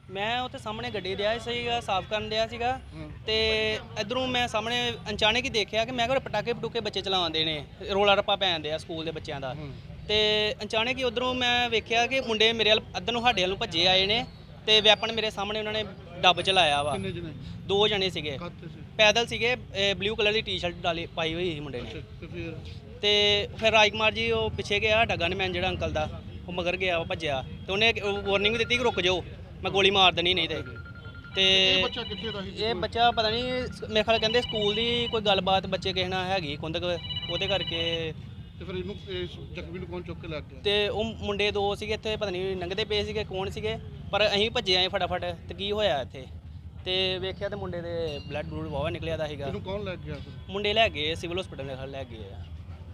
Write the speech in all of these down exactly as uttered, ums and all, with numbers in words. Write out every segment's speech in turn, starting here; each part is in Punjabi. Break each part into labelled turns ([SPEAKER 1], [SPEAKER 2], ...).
[SPEAKER 1] मैं उत्थे सामने गड्डी दिया सीगा साफ करन दिया सीगा ते इधरों मैं सामने अचानक ही देखा कि मैं कोई पटाके पटूके बच्चे चलाते ने रोला रप्पा पैन दिया स्कूल के बच्चों का ते अचानक ही उधरों मैं वेख्या कि मुंडे मेरे अद्धर नूं साडे वल्लों भज्जे आए ने ते वैपन मेरे सामने उन्होंने डब चलाया वा दो जने सीगे पैदल सीगे ब्लू कलर की टी शर्ट डाली पाई हुई ही मुंडे ने ते फिर राजकुमार जी वो पिछे गया डगन मैन जिहड़ा अंकल दा वो मगर गया वो भज्जिया ते उन्हें वार्निंग दी कि रुक जाओ मैं गोली मार देनी नहीं ते ते ये बच्चा पता नहीं मेरे ख्याल कहते स्कूल की कोई गलबात बच्चे किसी नाल हैगी कुंदक ਉਹਦੇ ਕਰਕੇ
[SPEAKER 2] ਤੇ ਫਿਰ ਇਹਨੂੰ ਜ਼ਖਮੀ ਨੂੰ ਕੌਣ ਚੁੱਕ ਕੇ ਲੈ ਗਿਆ
[SPEAKER 1] ਤੇ ਉਹ ਮੁੰਡੇ ਦੋ ਸੀਗੇ ਇੱਥੇ ਪਤਾ ਨਹੀਂ ਲੰਘਦੇ ਪਏ ਸੀਗੇ ਕੌਣ ਸੀਗੇ ਪਰ ਅਸੀਂ ਭੱਜੇ ਆਏ ਫਟਾਫਟ ਤੇ ਕੀ ਹੋਇਆ ਇੱਥੇ ਤੇ ਵੇਖਿਆ ਤੇ ਮੁੰਡੇ ਦੇ ਬਲੱਡ ਬਲੂਡ ਵਾਵਾ ਨਿਕਲਿਆ ਦਾ ਸੀਗਾ
[SPEAKER 2] ਇਹਨੂੰ ਕੌਣ ਲੈ ਗਿਆ
[SPEAKER 1] ਮੁੰਡੇ ਲੈ ਗਏ ਸਿਵਲ ਹਸਪੀਟਲ ਦੇ ਲੈ ਗਏ ਆ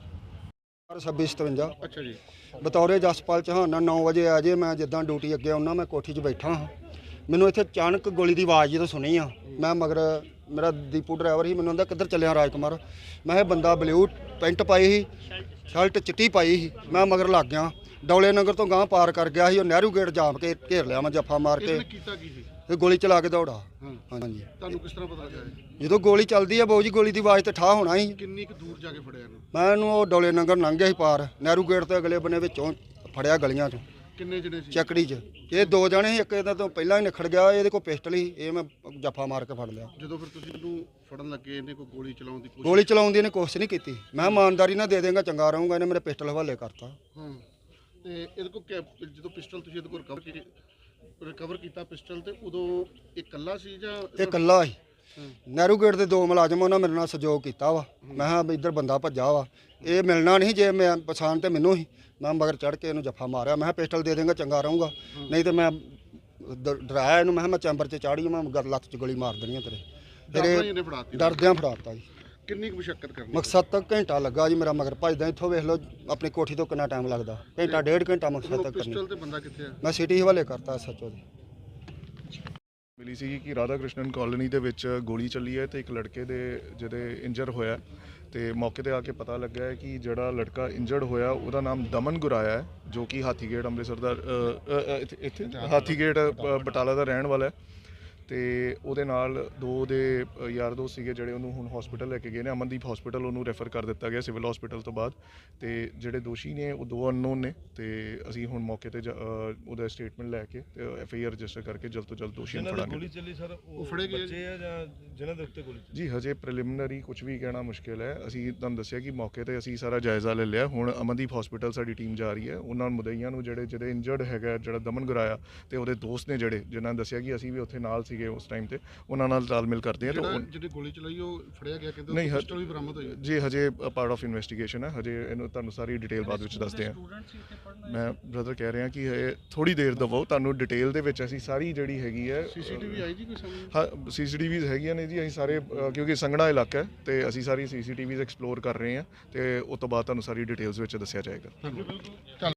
[SPEAKER 3] ਛੱਬੀ ਸਤਵੰਜਾ
[SPEAKER 2] ਅੱਛਾ ਜੀ
[SPEAKER 3] ਬਤੌਰੇ ਜਸਪਾਲ ਚੌਹਾਨ ਨੌ ਵਜੇ ਆ ਜੇ ਮੈਂ ਜਿੱਦਾਂ ਡਿਊਟੀ ਅੱਗੇ ਆਉਣਾ ਮੈਂ ਕੋਠੀ 'ਚ ਬੈਠਾ ਹਾਂ ਮੈਨੂੰ ਇੱਥੇ ਅਚਾਨਕ ਗੋਲੀ ਦੀ ਆਵਾਜ਼ ਜਦੋਂ ਸੁਣੀ ਆ ਮੈਂ ਮਗਰ ਮੇਰਾ ਦੀਪੂ ਡਰਾਈਵਰ ਸੀ ਮੈਨੂੰ ਕਹਿੰਦਾ ਕਿੱਧਰ ਚੱਲਿਆ ਰਾਜਕੁਮਾਰ ਮੈਂ ਇਹ ਬੰਦਾ ਬਲੂ ਪੈਂਟ ਪਾਈ ਸੀ ਸ਼ਰਟ ਚਿੱਟੀ ਪਾਈ ਸੀ ਮੈਂ ਮਗਰ ਲੱਗ ਗਿਆ ਡੌਲੇ ਨਗਰ ਤੋਂ ਗਾਂ ਪਾਰ ਕਰ ਗਿਆ ਸੀ ਉਹ ਨਹਿਰੂ ਗੇਟ ਜਾਮ ਕੇ ਘੇਰ ਲਿਆ ਮੈਂ ਜੱਫਾ ਮਾਰ ਕੇ
[SPEAKER 2] ਕੀਤਾ ਕੀ ਸੀ
[SPEAKER 3] ਤੇ ਗੋਲੀ ਚਲਾ ਕੇ ਦੌੜਾ ਹਾਂਜੀ
[SPEAKER 2] ਤੁਹਾਨੂੰ ਕਿਸ ਤਰ੍ਹਾਂ ਪਤਾ ਲੱਗਾ
[SPEAKER 3] ਜਦੋਂ ਗੋਲੀ ਚੱਲਦੀ ਆ ਬਾਊ ਜੀ ਗੋਲੀ ਦੀ ਆਵਾਜ਼ ਤੇ ਠਾ ਹੋਣਾ ਸੀ
[SPEAKER 2] ਕਿੰਨੀ ਕੁ ਦੂਰ ਜਾ ਕੇ ਫੜਿਆ ਇਹਨੂੰ
[SPEAKER 3] ਮੈਂ ਇਹਨੂੰ ਉਹ ਡੌਲੇ ਨਗਰ ਲੰਘ ਗਿਆ ਸੀ ਪਾਰ ਨਹਿਰੂ ਗੇਟ ਤੋਂ ਅਗਲੇ ਬੰਨੇ ਵਿੱਚੋਂ ਫੜਿਆ ਗਲੀਆਂ 'ਚੋਂ
[SPEAKER 2] ਕਿੰਨੇ ਜਣੇ ਸੀ
[SPEAKER 3] ਚੱਕੜੀ 'ਚ ਇਹ ਦੋ ਜਣੇ ਸੀ ਇੱਕ ਇਹਦਾ ਤੋਂ ਪਹਿਲਾਂ ਹੀ ਨਿਖੜ ਗਿਆ ਇਹਦੇ ਕੋਲ ਪਿਸਟਲ ਸੀ ਇਹ ਮੈਂ ਜੱਫਾ ਮਾਰ ਕੇ ਫੜ ਲਿਆ
[SPEAKER 2] ਜਦੋਂ ਫਿਰ ਤੁਸੀਂ ਇਹਨੂੰ ਫੜਨ ਲੱਗੇ ਇਹਨੇ ਕੋਈ ਗੋਲੀ ਚਲਾਉਣ ਦੀ ਕੋਸ਼ਿਸ਼
[SPEAKER 3] ਗੋਲੀ ਚਲਾਉਣ ਦੀ ਇਹਨੇ ਕੋਸ਼ਿਸ਼ ਨਹੀਂ ਕੀਤੀ ਮੈਂ ਇਮਾਨਦਾਰੀ ਨਾਲ ਦੇ ਦੇਂਗਾ ਚੰਗਾ ਰਹੂੰਗਾ ਇਹਨੇ ਮੇਰੇ ਪਿਸਟਲ ਹਵਾਲੇ ਕਰਤਾ
[SPEAKER 2] ਹਾਂ ਤੇ ਇਹਦੇ ਕੋਲ ਜਦੋਂ ਪਿਸਟਲ ਤੁਸੀਂ ਇਹਦੇ ਕੋਲ ਰਿਕਵਰ ਕੀਤੀ ਰਿਕਵਰ ਕੀਤਾ ਪਿਸਟਲ ਤੇ ਉਦੋਂ ਇਹ ਇਕੱਲਾ ਸੀ ਜਾਂ
[SPEAKER 3] ਇਹ ਇਕੱਲਾ ਸੀ ਨਹਿਰੂ ਗੇਟ ਦੇ ਦੋ ਮੁਲਾਜ਼ਮ ਉਹਨਾਂ ਮੇਰੇ ਨਾਲ ਸਹਿਯੋਗ ਕੀਤਾ ਵਾ ਮੈਂ ਕਿਹਾ ਵੀ ਇੱਧਰ ਬੰਦਾ ਭੱਜਾ ਵਾ ਇਹ ਮਿਲਣਾ ਨਹੀਂ ਜੇ ਮੈਂ ਪਛਾਣ ਤੇ ਮੈਨੂੰ ਹੀ ਮੈਂ ਮਗਰ ਚੜ੍ਹ ਕੇ ਇਹਨੂੰ ਜੱਫਾ ਮਾਰਿਆ ਮੈਂ ਕਿਹਾ ਪਿਸਟਲ ਦੇ ਦੇਂਗਾ ਚੰਗਾ ਰਹੂੰਗਾ ਨਹੀਂ ਤੇ ਮੈਂ ਡਰਾਇਆ ਇਹਨੂੰ ਮੈਂ ਕਿਹਾ ਮੈਂ ਚੈਂਬਰ 'ਚ ਚਾੜੀ ਮੈਂ ਗਰ ਲੱਤ 'ਚ ਗੋਲੀ ਮਾਰ ਦੇਣੀ ਆ ਤੇਰੇ ਤੇਰੇ ਡਰਦਿਆਂ ਫੜਾਤਾ ਜੀ
[SPEAKER 2] ਕਿੰਨੀ ਕੁ ਮੁਸ਼ੱਕਤ ਕਰਨੀ
[SPEAKER 3] ਮਕਸਦ ਤੱਕ ਘੰਟਾ ਲੱਗਾ ਜੀ ਮੇਰਾ ਮਗਰ ਭੱਜਦਾ ਇੱਥੋਂ ਵੇਖ ਲਓ ਆਪਣੀ ਕੋਠੀ ਤੋਂ ਕਿੰਨਾ ਟਾਈਮ ਲੱਗਦਾ ਘੰਟਾ ਡੇਢ ਘੰਟਾ ਮਕਸਦ ਤੱਕ ਕਰਨੀ
[SPEAKER 2] ਪਿਸਟਲ ਤੇ ਬੰਦਾ ਕਿੱਥੇ ਆ
[SPEAKER 3] ਮੈਂ ਸਿਟੀ ਹਵਾਲੇ ਕਰਤਾ ਸੱਚੋ ਦੇ
[SPEAKER 4] ਮਿਲੀ ਸੀ ਕਿ ਰਾਧਾ ਕ੍ਰਿਸ਼ਨਨ ਕਾਲੋਨੀ ਦੇ ਵਿੱਚ ਗੋਲੀ ਚੱਲੀ ਹੈ ਤੇ ਇੱਕ ਲੜਕੇ ਦੇ ਜਿਹਦੇ ਇੰਜਰ ਹੋਇਆ ਤੇ ਮੌਕੇ ਤੇ ਆ ਕੇ ਪਤਾ ਲੱਗਾ ਹੈ ਕਿ ਜਿਹੜਾ ਲੜਕਾ ਇੰਜਰਡ ਹੋਇਆ ਉਹਦਾ ਨਾਮ ਦਮਨ ਗੁਰਾਇਆ ਹੈ ਜੋ ਕਿ ਹਾਥੀਗੇਟ ਅੰਮ੍ਰਿਤਸਰ ਦਾ ਇੱਥੇ ਹਾਥੀਗੇਟ ਬਟਾਲਾ ਦਾ ਰਹਿਣ ਵਾਲਾ ਹੈ ਤੇ ਉਹਦੇ ਨਾਲ ਦੋ ਦੇ ਯਾਰ ਦੋਸਤ ਸੀਗੇ ਜਿਹੜੇ ਉਹਨੂੰ ਹੁਣ ਹਸਪੀਟਲ ਲੈ ਕੇ ਗਏ ਨੇ ਅਮਨਦੀਪ ਹਸਪੀਟਲ ਉਹਨੂੰ ਰੈਫਰ ਕਰ ਦਿੱਤਾ ਗਿਆ ਸਿਵਲ ਹਸਪੀਟਲ ਤੋਂ ਬਾਅਦ ਤੇ ਜਿਹੜੇ ਦੋਸ਼ੀ ਨੇ ਉਹ ਦੋ ਅਨਨੋਨ ਨੇ ਤੇ ਅਸੀਂ ਹੁਣ ਮੌਕੇ ਤੇ ਉਹਦਾ ਸਟੇਟਮੈਂਟ ਲੈ ਕੇ ਤੇ ਐਫ ਆਈ ਆਰ ਰਜਿਸਟਰ ਕਰਕੇ ਜਲਦ ਤੋਂ ਜਲਦ ਦੋਸ਼ੀ ਨੂੰ ਫੜਾਂਗੇ।
[SPEAKER 2] ਗੋਲੀ ਚੱਲੀ ਸਰ ਉਹ ਫੜੇ ਗਏ ਬੱਚੇ ਆ ਜਾਂ ਜਿਨ੍ਹਾਂ ਦੇ ਉੱਤੇ ਗੋਲੀ
[SPEAKER 4] ਜੀ ਹਜੇ ਪ੍ਰੀਲਿਮਿਨਰੀ ਕੁਝ ਵੀ ਕਹਿਣਾ ਮੁਸ਼ਕਿਲ ਹੈ ਅਸੀਂ ਤੁਹਾਨੂੰ ਦੱਸਿਆ ਕਿ ਮੌਕੇ ਤੇ ਅਸੀਂ ਸਾਰਾ ਜਾਇਜ਼ਾ ਲੈ ਲਿਆ ਹੁਣ ਅਮਨਦੀਪ ਹਸਪੀਟਲ ਸਾਡੀ ਟੀਮ ਜਾ ਰਹੀ ਹੈ ਉਹਨਾਂ ਮੁਦਈਆਂ ਨੂੰ ਜਿਹੜੇ ਜਿਹੜੇ ਇੰਜਰਡ ਹੈਗਾ ਜਿਹੜਾ ਦਮਨ ਗੁਰਾਇਆ ਤੇ ਉਹਦੇ ਦੋਸਤ ਨੇ ਜਿਹੜੇ ਜਿਨ੍ਹਾਂ ਨੇ ਦੱਸਿਆ ਕਿ ਅਸੀਂ ਵੀ ਉੱਥੇ ਨਾਲ ਸੀਗੇ ਉਸ ਟਾਈਮ ਤੇ ਉਹਨਾਂ ਨਾਲ ਤਾਲਮੇਲ ਕਰਦੇ ਆ ਤਾਂ
[SPEAKER 2] ਜਿਹੜੀ ਗੋਲੀ ਚਲਾਈ ਉਹ ਫੜਿਆ ਗਿਆ ਕਹਿੰਦੇ
[SPEAKER 4] ਨਹੀਂ
[SPEAKER 2] ਪਿਸਟਲ ਵੀ ਬਰਾਮਦ ਹੋਈ
[SPEAKER 4] ਜੀ ਹਜੇ ਪਾਰਟ ਆਫ ਇਨਵੈਸਟੀਗੇਸ਼ਨ ਹੈ ਹਜੇ ਇਹਨੂੰ ਤੁਹਾਨੂੰ ਸਾਰੀ ਡਿਟੇਲ ਬਾਅਦ ਵਿੱਚ ਦੱਸਦੇ ਆ ਮੈਂ ਬ੍ਰਦਰ ਕਹਿ ਰਿਹਾ ਕਿ ਇਹ ਥੋੜੀ ਦੇਰ ਦਵੋ ਤੁਹਾਨੂੰ ਡਿਟੇਲ ਦੇ ਵਿੱਚ ਅਸੀਂ ਸਾਰੀ ਜਿਹੜੀ ਹੈਗੀ ਹੈ
[SPEAKER 2] ਸੀਸੀਟੀਵੀ ਆਈ ਜੀ ਕੋਈ ਸਾਹਮਣੇ
[SPEAKER 4] ਹਾਂ ਸੀਸੀਟੀਵੀਜ਼ ਹੈਗੀਆਂ ਨੇ ਜੀ ਅਸੀਂ ਸਾਰੇ ਕਿਉਂਕਿ ਸੰਘਣਾ ਇਲਾਕਾ ਹੈ ਤੇ ਅਸੀਂ ਸਾਰੀ ਸੀਸੀਟੀਵੀਜ਼ ਐਕਸਪਲੋਰ ਕਰ ਰਹੇ ਹਾਂ ਤੇ ਉਸ ਤੋਂ ਬਾਅਦ ਤੁਹਾਨੂੰ ਸਾਰੀ ਡਿਟੇਲਸ ਵਿੱਚ ਦੱਸਿਆ ਜਾਏਗਾ।